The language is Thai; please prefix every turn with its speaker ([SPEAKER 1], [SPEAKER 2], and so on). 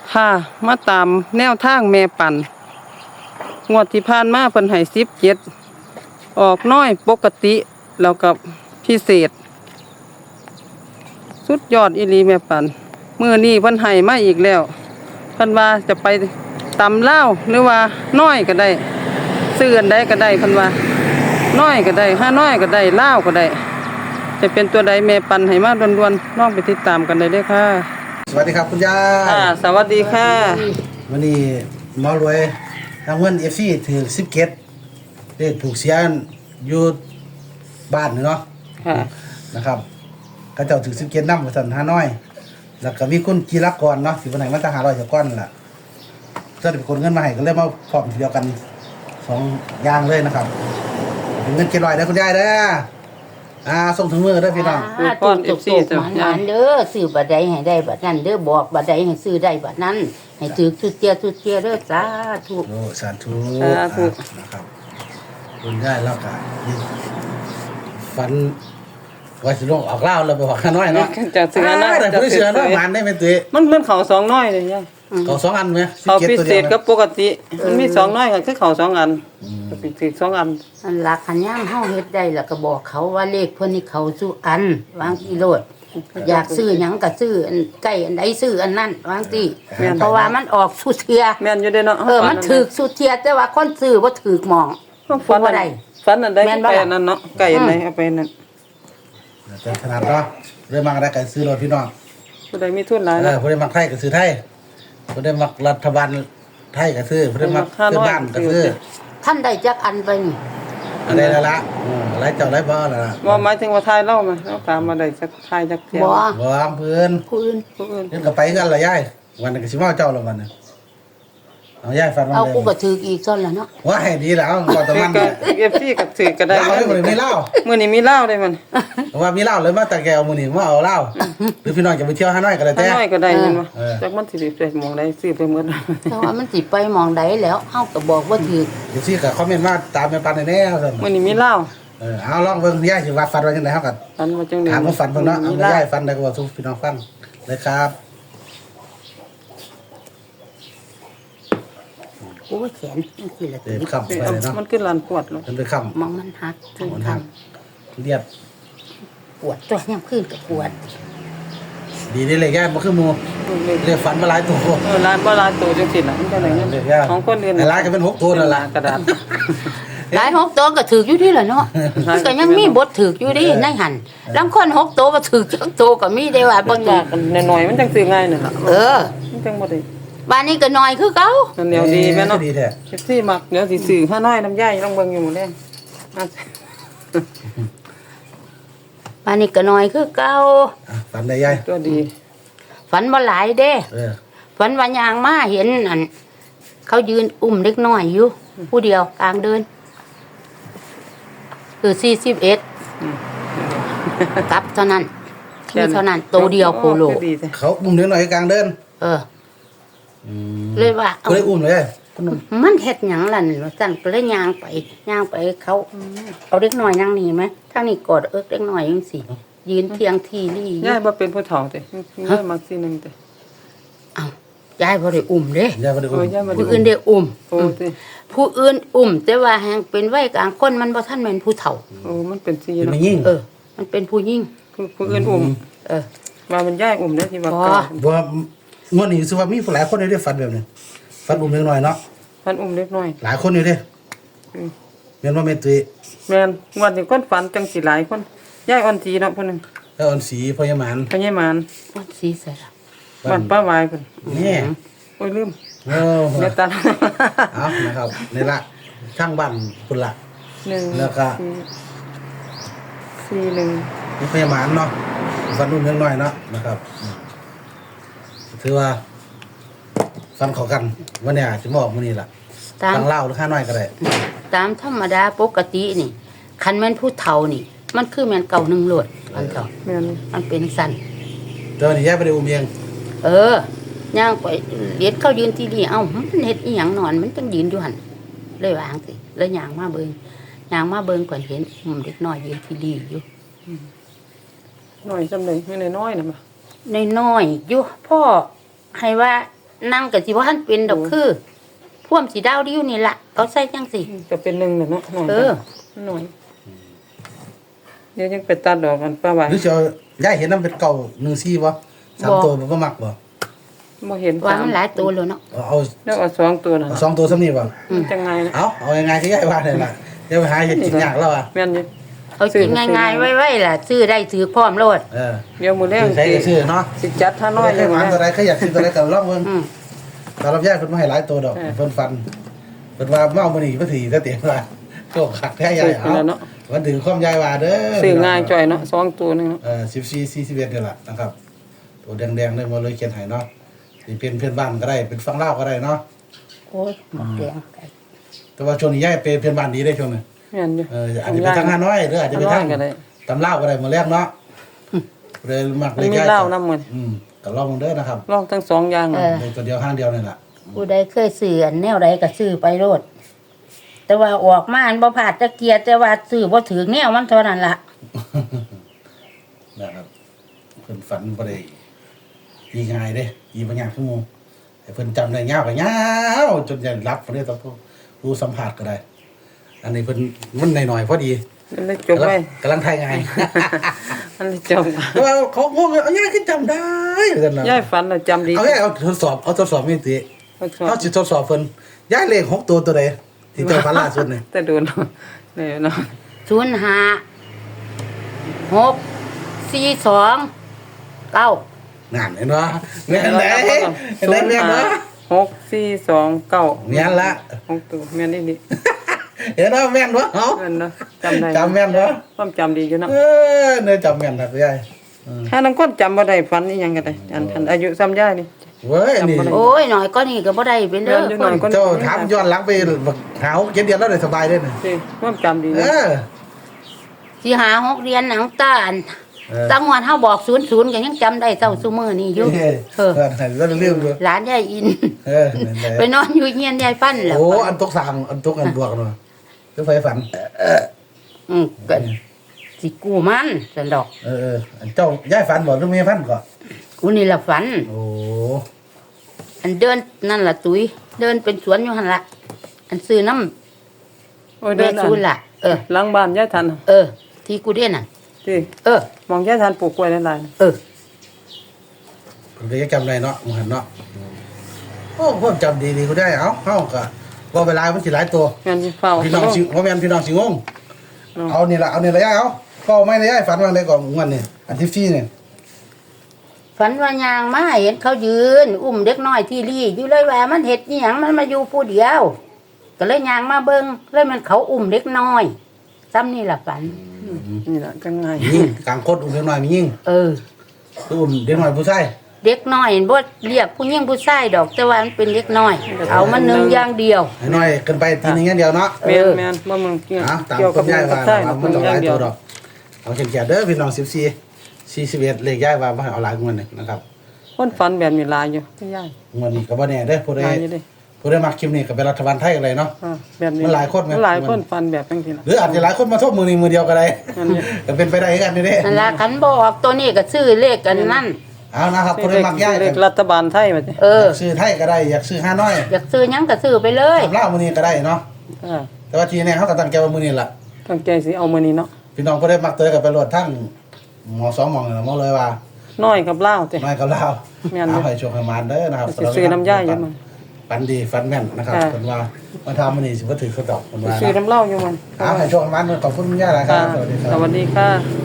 [SPEAKER 1] ค่ะมาตามแนวทางแม่ปันงวดที่ผ่านมาเพิ่นให้17ออกน้อยปกติแล้วกับพิเศษสุดยอดอีหลีแม่ปันมื้อนี้เพิ่นให้มาอีกแล้วเพิ่นว่าจะไปตำลาวหรือว่าน้อยก็ได้ซื้ออันใดก็ได้เพิ่นว่าน้อยก็ได้ห้าน้อยก็ได้ลาวก็ได้จะเป็นตัวใดแม่ปันให้มาด่วนๆน้องไปติดตามกันได้เลยค่ะ
[SPEAKER 2] สวัสดีครับคุณยา
[SPEAKER 1] สวัสดีค่ะ
[SPEAKER 2] วันนี้หมอรวยทางเงินFCถือ17เลขถูกเสียอยู่บ้านเนาะ
[SPEAKER 1] ค่ะ
[SPEAKER 2] นะครับก็เจ้าถือ17นำว่าซั่นหาน้อยแล้วก็มีคุณกีรกรเนาะสิวันไหนมันจะ500จะก้อนล่ะเพิ่นเป็นคนเงินมาให้ก็เลยมาพร้อมทีเดียวกัน2อย่างเลยนะครับเป็นเงิน700ได้คุณยายเด้อส่งถึงมือเด้อพี่น้อง
[SPEAKER 3] ก่อน FC จ้ะมันเด้อซื้อบัดใดให้ได้บัดนั้นเด้อบอกบัดใดให้ซื้อได้บัดนั้นให้ถือสุดเจียเด้อสาธุ
[SPEAKER 2] โอ้สาธุนะครับคุณยายแล้วก็ฝันว่าสิลงออกเล่าแล้วไปบอกข้าน้อยเนาะ
[SPEAKER 1] จะซื้อนะ
[SPEAKER 2] แต่ผู้เสือเนาะมันได้เป็นตัว
[SPEAKER 1] มันเขา2น้อยเลยยาย
[SPEAKER 2] เขา2อันมั้ย
[SPEAKER 1] เขาพิเศษกับปกติมันมี2น้อยก็คือเขา2อันก็พิเศษ2อัน
[SPEAKER 3] อันหลักขันย่ามเฮาเฮ็ดได้แล้วก็บอกเขาว่าเลขเพิ่นนี่เขาสู่อันวางอีโลดอยากซื้อหยังก็ซื้ออันใกล้อันใดซื้ออันนั้นวางติเพราะว่ามันออกสุเทีย
[SPEAKER 1] แม่นอยู่เด้เนาะ
[SPEAKER 3] มันถูกสุเทียแต่ว่าคนซื้อบ่ถูกหม่อง
[SPEAKER 1] ฝันบ่ได้ฝันอันใดไปอันนั้นเนาะไก่อันไหนเอาไปนั่น
[SPEAKER 2] แต่ขนาดเนาะเรื่องมาได้ก็ซื้อรถพี่น้อง
[SPEAKER 1] ผู้ใดมีทุนหลาย
[SPEAKER 2] นะผู้ใดมักไทยก็ซื้อไทยผู้ใดมักรัฐบาลไทยก็ซื้อผู้ใดมักซื้อบ้านก็ซื้อ
[SPEAKER 3] ท่านได้จักอันไปนี่
[SPEAKER 2] อะไรละหลายเจ้าหลายบ่ล่ะ
[SPEAKER 1] บ่หมายถึงว่าทายเล่ามาเราตามมาได้สักทายจักเที่ยว
[SPEAKER 2] บ่เพิ่น
[SPEAKER 3] ผู้อื่น
[SPEAKER 2] เพิ่นก็ไปกันล่ะยายวันนึงก็สิมาเจ้าละวันนึงเอายายฟันมาเลย
[SPEAKER 3] เอากูก็ถืออีกซ่อนแล้วเนาะ
[SPEAKER 2] ว่าให้ดีแล้วก็ตะมัน
[SPEAKER 1] เนี่ย FC ก็ถือก็ได้
[SPEAKER 2] มื้อนี้มีเหล้า
[SPEAKER 1] มื้อนี้มีเหล้าได้มัน
[SPEAKER 2] ว่ามีเหล้าเลยมาตะแกวมื้อนี้มาเอาเหล้าหรือพี่น้องจะไปเที่ยวฮานอยก็ได้แต่
[SPEAKER 1] ฮานอยก็ได้แม่นบ่จักมันสิไปหม่องใดซื้อไปหมด
[SPEAKER 3] แต่ว่ามันสิไปหม่องใดแล้วเฮาก็บอกว่าถือ
[SPEAKER 2] เดี๋ยวสิก็คอมเมนต์มาตามแม่ปันแน่ๆซั่น
[SPEAKER 1] มื้อนี้มีเหล้า
[SPEAKER 2] เอาลองเบิ่งยายสิว่าฟันว่าจังได๋เฮาก็
[SPEAKER 1] ฟันว่าจังได๋
[SPEAKER 2] ถามว่าฟันเพิ่นเนาะเอายายฟันได้ก็ว่าสู่พี่น้องฟังเลยครับ
[SPEAKER 3] โอ้แขนมันสิละ
[SPEAKER 2] เป็นคำไปเลยเนาะ
[SPEAKER 1] มันขึ้นลานปวดเลย
[SPEAKER 2] มันเป็นคำ
[SPEAKER 3] มองมันหัก
[SPEAKER 2] มันหักเรียบ
[SPEAKER 3] ปวดตัวยามคืนก็ปวด
[SPEAKER 2] ดีนี่เลยย่าบ่คือหมู่เรียกฝันมาหลายตัว
[SPEAKER 1] ลานบ่หลายตัวจังซี่น่ะมันจังได๋ของคนอื่น
[SPEAKER 2] หลายก็เป็น6ตัวนั่นล่ะ
[SPEAKER 1] กระดาษ
[SPEAKER 3] หลาย6ตัวก็ถูกอยู่ที่ล่ะเนาะก็ยังมีบทถูกอยู่ดิในหั่นลางคน6ตัวบ่ถูกจักตัวก็มีได้ว่า
[SPEAKER 1] บางอย่างน้อยๆมันจังซื้อง่ายนั่นล่ะมันจังบ่ได้
[SPEAKER 3] บ้านนี้ก็น้อยคือเก่า
[SPEAKER 1] นั่นเดียวดีแม่เนาะที่มักเดี๋ยวสิซื้อห้าน้อยน้ำย่ายต้องเบิ่งอยู่หมดแล้ว
[SPEAKER 3] บ้านนี้ก็น้อยคือเก่า
[SPEAKER 2] ฝันได้ยาย
[SPEAKER 1] ตัวดี
[SPEAKER 3] ฝันบ่หลายเด้ฝันว่ายางมาเห็นอันเขายืนอุ้มเด็กน้อยอยู่ผู้เดียวกลางเดินคือ41กับเท่านั้นมีเท่านั้นตัวเดียวโคโล
[SPEAKER 2] เขาอุ้มเด็กน้อยกลางเดิน
[SPEAKER 3] เลยว่า
[SPEAKER 2] ก็เลยอุ้มเลย
[SPEAKER 3] มันเฮ็ดหยังล่ะนี่ว่าซั่นก็เลยย่างไปเขาเอาเด็กน้อยนั่งนี่มั้ยทางนี้กอดเด็กน้อยจังซี่ยืนเทียงทีลี่
[SPEAKER 1] ยายบ่เป็นผู้เฒ่าติยายมักสินึงติ
[SPEAKER 3] อ้าวยายบ่ได้อุ้มเด้
[SPEAKER 2] ยายบ่ได้อุ้ม
[SPEAKER 3] ผู้อื่นได้อุ้มผู้อื่นอุ้มแต่ว่าแฮงเป็นวัยกลางคนมันบ่ทันแม่นผู้เฒ่า
[SPEAKER 1] มันเป็นสิ
[SPEAKER 2] เนาะ
[SPEAKER 3] มันเป็นผู้หญิง
[SPEAKER 1] ผู้อื่นอุ้มว่ามันยายอุ้มเด้อที่ว่า
[SPEAKER 2] บ่งวดนี้สิว่ามีหลายคนได้ฝันแบบนี้ฝันอุ้มเล็กน้อยเนาะ
[SPEAKER 1] ฝันอุ้มเล็กน้อย
[SPEAKER 2] หลายคนอยู่เด้แม่นบ่แม่นตุ้ย
[SPEAKER 1] แม่นงวดนี้คนฝันจังสิหลายคนยายอ่อนสีเนาะเพิ่นนึง
[SPEAKER 2] อ่อนสีพญามาร
[SPEAKER 3] อ่อนสีใส่ล่ะ
[SPEAKER 1] บ้านป้าวายเพิ่น
[SPEAKER 2] นี่
[SPEAKER 1] โอ้ยลืม
[SPEAKER 2] เมตตาเอานะครับนี่ล่ะช่างบ้านพุ่นล่ะ1แล้วก็
[SPEAKER 1] 41
[SPEAKER 2] พญามารเนาะฝันอุ้มเล็กน้อยเนาะนะครับถือว่าฟันเข้ากันวันนี้สิมาออกมื้อนี้ล่ะทางลาวหรือข้าน้อยก็ได้
[SPEAKER 3] ตามธรรมดาปกตินี่คันแม่นผู้เฒ่านี่มันคือแม่นเก่า1โลดอันเฒ่า
[SPEAKER 1] แม่น
[SPEAKER 3] มันเป็นสั่น
[SPEAKER 2] เดี๋ยวนี้ยายบ่ได้อุ้มเอง
[SPEAKER 3] ย่างไปเลียดเขายืนที่นี่เอ้ามันเฮ็ดอีหยังนอนมันจังยืนอยู่หั่นเลยวางสิแล้วย่างมาเบิ่งก่อนเห็นเด็กน้อยยืนที่นี่อยู่
[SPEAKER 1] น้อยซำใดคือน้อยๆน่ะบ่
[SPEAKER 3] น้อยๆอยู่พ่อให้ว่านั่งก็สิบ่ทันเป็นดอกคือพ่วมสีดาวดิ้วนี่ล่ะเขาใส่จังสิ
[SPEAKER 1] ก็เป็น1น่ะเนาะน้อย
[SPEAKER 3] เออ
[SPEAKER 1] น้อยเดี๋ยวยังไปตัดดอกกันป้าไว้
[SPEAKER 2] หรือจะย้ายเห็นน้ำเป็นเก่า1-4บ่3ตัวมันก็มักบ่
[SPEAKER 1] บ่เห็น
[SPEAKER 3] ว่า
[SPEAKER 1] สาม
[SPEAKER 3] มันหลายตัวแล้วเนาะ
[SPEAKER 2] เอา
[SPEAKER 1] แล้วเอา2ตัวน่ะ
[SPEAKER 2] เอา2ตัวซ้ำนี่บ่
[SPEAKER 1] มันจังไงนะ
[SPEAKER 2] เอายังไงที่ย้ายว่าเนี่ยล่ะเดี๋ยวไปหาเห็ดกินยากแล้วอ่ะ
[SPEAKER 1] แม่นอยู่
[SPEAKER 3] เอากินง่ายๆไว้ๆล่ะซื้อได้ถือพร้อมโลด
[SPEAKER 1] เดี๋ยวมื้อแรก
[SPEAKER 2] ใช้ก็ซื้อเนาะ
[SPEAKER 1] สิจัดถ้าน้อย
[SPEAKER 2] ใครหวานตัวใดใครอยากซื้อตัวใดก็ลองเบิ่ง
[SPEAKER 3] อืม
[SPEAKER 2] ตอนรับย้ายเพิ่นมาให้หลายตัวดอกเพิ่นฟันเพิ่นว่าเมามื้อนี้เพิ่นสิก็เต็มว่าโชคคักแท้ใหญ่เอาวันถึงความยายว่าเด้อ
[SPEAKER 1] ซื้อง่ายจ่อยเนาะ2ตัวนึงเนาะ
[SPEAKER 2] 14 41นี่ล่ะนะครับตัวแดงๆเลยมาเลยเขียนให้เนาะสิเป็นเพื่อนบ้านก็ได้เป็นฝั่งลาวก็ได้เนาะ
[SPEAKER 3] โอ้ยหมดแดง
[SPEAKER 2] แต่ว่าช่วงนี้ย้ายเป็นเพื่อนบ้านดีได้ช่วงนี้
[SPEAKER 1] แม่นอยู่
[SPEAKER 2] อาจจะไปทางฮานอยหรืออาจจะไปทาง
[SPEAKER 1] ก็ได้
[SPEAKER 2] ตำลาวก็ได้มื้อแรกเนาะเลยมัก
[SPEAKER 1] มั
[SPEAKER 2] เล
[SPEAKER 1] น
[SPEAKER 2] ย
[SPEAKER 1] มี
[SPEAKER 2] ย้าย
[SPEAKER 1] เหล้านํมื้อ
[SPEAKER 2] ก็ลองเด้อนะครับ
[SPEAKER 1] ลองทั้งสองอย่าง
[SPEAKER 2] เลยตัวเดียวห้างเดียวนี่ล่ะ
[SPEAKER 3] ผู้ใดเคยซื้ออันแนวใดก็ซื้อไปโลดแต่ว่าออกมาอันบ่พลาดตะเกียรแต่ว่าซื้อบ่ถึงแนวมันเท่านั้นล่ะ
[SPEAKER 2] นะครับเพิ่นฝันบ่ได้ยีง่ายเด้ยีบ่ยากชั่วโมงให้เพิ่นจำได้ยาวก็ยาวจนจะรับบ่ได้ต้องผู้สัมภาษณ์ก็ได้ อันนี้เพิ่นมันหน่อยๆพอดี
[SPEAKER 1] มันเลยจบไว้
[SPEAKER 2] กำลังทายไง
[SPEAKER 1] มันเลยจบ
[SPEAKER 2] แต่ว่าเขางงเอาย่าขึ้นจำได้เหมือนกันนะ
[SPEAKER 1] ยายฝันแล้วจำดี
[SPEAKER 2] เอาย่าเอาทดสอบไม่ติเอาสิทดสอบเพิ่นย้ายเลข6ตัวใดที่เจ้าฝันล่าสุดนี่
[SPEAKER 1] แต่โดนเลยเนาะ
[SPEAKER 3] 05 6 42 9
[SPEAKER 2] นั่นเห็นบ่แม่นไหนเห็นไหนแม่นบ่
[SPEAKER 1] 6 4 2 9
[SPEAKER 2] แม่นละ
[SPEAKER 1] 6ตัวแม่นนี่ดิ
[SPEAKER 2] เห็นบ่แม่นบ่เอ้า
[SPEAKER 1] แม่นเนาะจำได้
[SPEAKER 2] จำแม่นบ่
[SPEAKER 1] ความจำดีอยู่เนาะ
[SPEAKER 2] เนื้อจำแม่นครับยาย
[SPEAKER 1] ถ้านังคนจำบ่ได้ฝันอีหยังก็ได้อันอายุซ้ำยายนี่
[SPEAKER 2] เว้ยนี่
[SPEAKER 3] โอ้ยหน่อยก็นี่ก็บ่ได้เป็นเด้อ
[SPEAKER 1] เดี๋ยวหน่อยก็
[SPEAKER 2] เจ้าถามย้อนหลังไปหาเจ็ดเดือนแล้วได้สบายเด้อนี่
[SPEAKER 1] สิความจำดี
[SPEAKER 2] เอ
[SPEAKER 1] เนาะ
[SPEAKER 2] อ
[SPEAKER 3] สิหา6เรียนหนังตาอันตั้งวันเฮาบอก00ก็ยังจำได้เท่าซุมื้อนี้อยู่
[SPEAKER 2] เออแล้วลืมอยู่
[SPEAKER 3] หลานยายอิน
[SPEAKER 2] เออนั่นแหละ
[SPEAKER 3] ไปนอนอยู่เฮียนยายฟันแล้ว
[SPEAKER 2] โอ้อันตกสามอันตกอันบวกเนาะเจ้าไฟฝัน
[SPEAKER 3] ก็สิกู้มันซั่นดอก
[SPEAKER 2] อันเจ้าย้ายฝันบ่หรือไม่ฝันก็
[SPEAKER 3] กูนี่ล่ะฝัน
[SPEAKER 2] โอ้
[SPEAKER 3] อันเดินนั่นล่ะตุ้ยเดินเป็นสวนอยู่หั่นล่ะอันซื้อน้ำ
[SPEAKER 1] โอ้ย
[SPEAKER 3] แม่
[SPEAKER 1] เดิน
[SPEAKER 3] ซูนล่ะ
[SPEAKER 1] หลังบ้านยายทัน
[SPEAKER 3] ที่กูเรียนน่ะ
[SPEAKER 1] สิ
[SPEAKER 3] เออ
[SPEAKER 1] มองยายทันปลูกกล้วยหลาย
[SPEAKER 3] เออ
[SPEAKER 2] ผมก็ยังจำได้เนาะมันเนาะโอ้ผมจำดีๆก็ได้เอ้าเฮาก็ว่าเวลามันสิหลายตัว
[SPEAKER 1] ๆแม่นสิเฝ้า
[SPEAKER 2] พี่น้องสิว่าแม่นพี่น้องสิงงเอานี่ล่ะย้ายเอาก็ไม่ได้ย้ายฝันว่าได้ก่อนงวดนี่อันที่4นี่
[SPEAKER 3] ฝันว่ายางมาเห็นเขายืน อุ้มเด็กน้อยที่รี่อยู่เลยว่ามันเฮ็ดอีหยังมันมาอยู่ผู้เดียว ก็เลยยางมาเบิ่งเลยมันเขาอุ้มเด็กน้อยซ้ำนี่ล่ะฝัน
[SPEAKER 1] นี่ล่ะจังไง
[SPEAKER 2] ยิงกลางโคตรอุ้มเด็กน้อยมียิง
[SPEAKER 3] เออ
[SPEAKER 2] อุ้มเด็กน้อยผู้ชาย
[SPEAKER 3] เด็กน้อยบ่เรียกผู้หญิงผู้ชายดอกแต่ว่ามันเป็นเด็กน้อย เอามันหนึ่งอย่างเดียว
[SPEAKER 2] ให้น้อยเกินไปทีนึงอย่างเดียวเนาะ
[SPEAKER 1] แม่นแม่นบ่มึงเกี่ยว
[SPEAKER 2] ตาม
[SPEAKER 1] เกี่ยว
[SPEAKER 2] คุ
[SPEAKER 1] กับ
[SPEAKER 2] ณยายว่า
[SPEAKER 1] ใช่
[SPEAKER 2] มันต้องหลายตัวดอกเอาเขียนๆเด้อพี่น้อง41เลขยายว่าบ่ให้เอาหลายงวดนี่นะครับ
[SPEAKER 1] คนฝันแบบนี้หลายอยู่ยาย
[SPEAKER 2] งวดนี้ก็บ่แน่เด้อผู้ใด
[SPEAKER 1] หลายอยู่เด้
[SPEAKER 2] ผู้ได้มาคลิปนี้ก็เป็นรัฐบาลไทยกันเลยเนาะ
[SPEAKER 1] แบบนี้
[SPEAKER 2] มันหลายคนไหม
[SPEAKER 1] หลายคนฟันแบบจังซี่นะ
[SPEAKER 2] หรืออาจจะหลายคนมาทบมือนี้มือเดียวก็ได้
[SPEAKER 1] นั่นเนี่ย
[SPEAKER 2] ก็เป็นไปได้กันนี่เด้
[SPEAKER 3] นั่นล่ะคันบ่ออกตัวนี้ก็ซื้อเลขกันนั่น
[SPEAKER 2] เอานะครับผู้ได้มักย้าย
[SPEAKER 1] เล
[SPEAKER 2] กั
[SPEAKER 1] ข
[SPEAKER 2] น
[SPEAKER 1] รัฐบาลไทยว่าติ
[SPEAKER 3] เออ
[SPEAKER 2] อยากซื้อไทยก็ได้อยากซื้อห้าน้อย
[SPEAKER 3] อยากซื้อหยังก็ซื้อไปเลย
[SPEAKER 2] ตำเล่ามือนี้ก็ได้เนาะ
[SPEAKER 1] อ่า
[SPEAKER 2] แต่ว่าทีนี้เขาก็ตั้งใจว่ามือนี้ล่ะ
[SPEAKER 1] ตั้งใจสิเอามื้อนี้เนาะ
[SPEAKER 2] พี่น้องผู้ได้มักเตยกับไปรวดทั้งหมอ2หมองหมอเลยว่า
[SPEAKER 1] น้อยกับลาวติ
[SPEAKER 2] น้อยกับเรา
[SPEAKER 1] แม่นอยู่
[SPEAKER 2] เอาให้โชคให้มานเด้อนะครับ
[SPEAKER 1] สิซื้อน้ำย่ายอยู่มัน
[SPEAKER 2] ฝันดีฝันแม่นนะครับ
[SPEAKER 1] ค่ะ
[SPEAKER 2] เพิ่นว่ามาทำมื้อนี้สิบ่ถือเขาดอกเพิ่นว่า
[SPEAKER 1] ซื้อ
[SPEAKER 2] นะ
[SPEAKER 1] น้ำเหล้าอยู่มัน
[SPEAKER 2] เอาให้โชคให้มานขอบคุณคุณย่าหลายค
[SPEAKER 1] ค่ะ
[SPEAKER 2] รับสวัสดีครับ
[SPEAKER 1] สวัสดีค่ะ